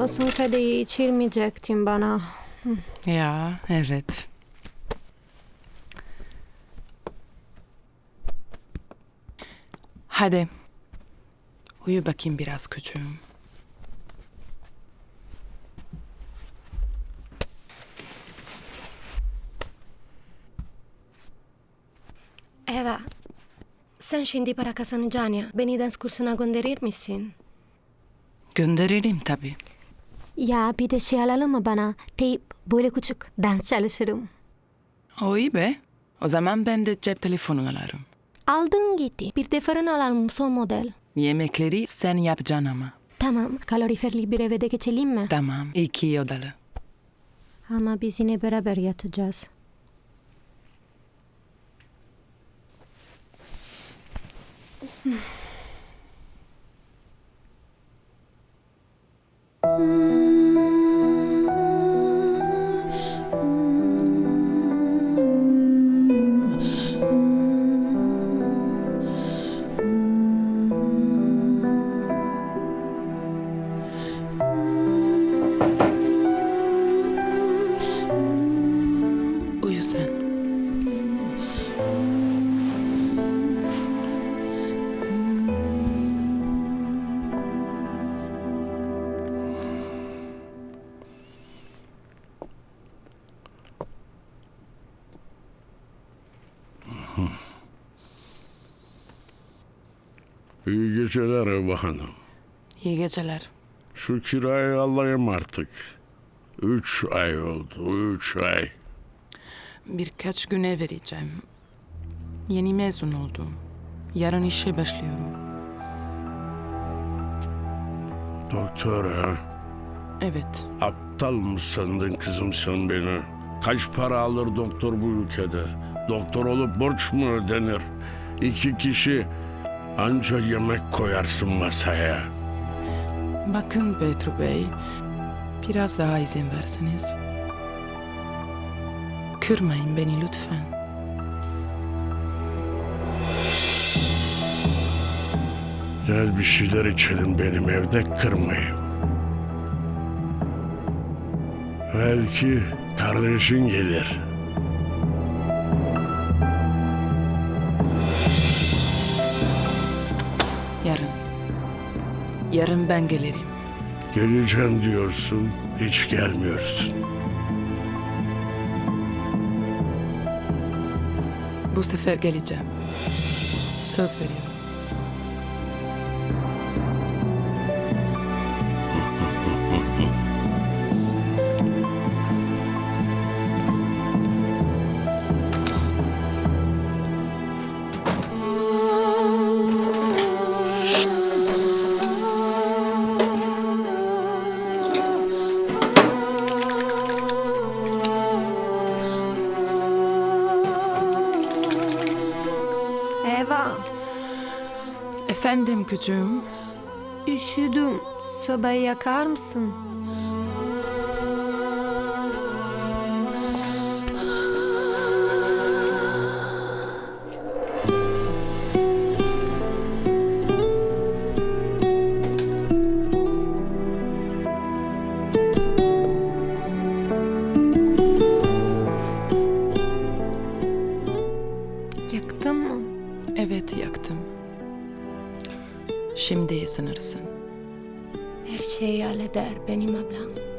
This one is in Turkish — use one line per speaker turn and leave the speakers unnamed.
Son kadehi içirmeyecektin bana.
Ya, evet. Hadi. Uyu bakayım biraz küçüğüm.
Eva, sen şimdi para kazanacaksın ya. Beni dans kursuna gönderir misin?
Gönderirim tabii.
Ya bir de şey alalım mı bana? Teyp, böyle küçük dans çalışırım.
O iyi be. O zaman ben de cep telefonu alırım.
Aldın gitti. Bir de fırın alalım son model.
Yemekleri sen yapacaksın ama.
Tamam, kaloriferli bir eve de geçelim mi?
Tamam, 2 odalı.
Ama biz yine beraber yatacağız.
Uyu sen.
İyi geceler Eva Hanım.
İyi geceler.
Şu kirayı alayım artık. 3 ay oldu, 3 ay.
Birkaç güne vereceğim. Yeni mezun oldum. Yarın işe başlıyorum.
Doktor ha?
Evet.
Aptal mı sandın kızım sen beni? Kaç para alır doktor bu ülkede? Doktor olup borç mu ödenir? 2 kişi anca yemek koyarsın masaya.
Bakın Petru Bey, biraz daha izin verseniz. Kırmayın beni lütfen.
Gel bir şeyler içelim benim evde, kırmayayım. Belki kardeşin gelir.
Yarın. Yarın ben gelirim.
Geleceğim diyorsun, hiç gelmiyorsun.
Bu sefer geleceğim. Söz veriyorum.
Eva,
Efendim küçüğüm.
üşüdüm. Sobayı yakar mısın? Yaktın mı?
Evet yaktım. Şimdi ısınırsın.
Her şeyi halleder benim ablam.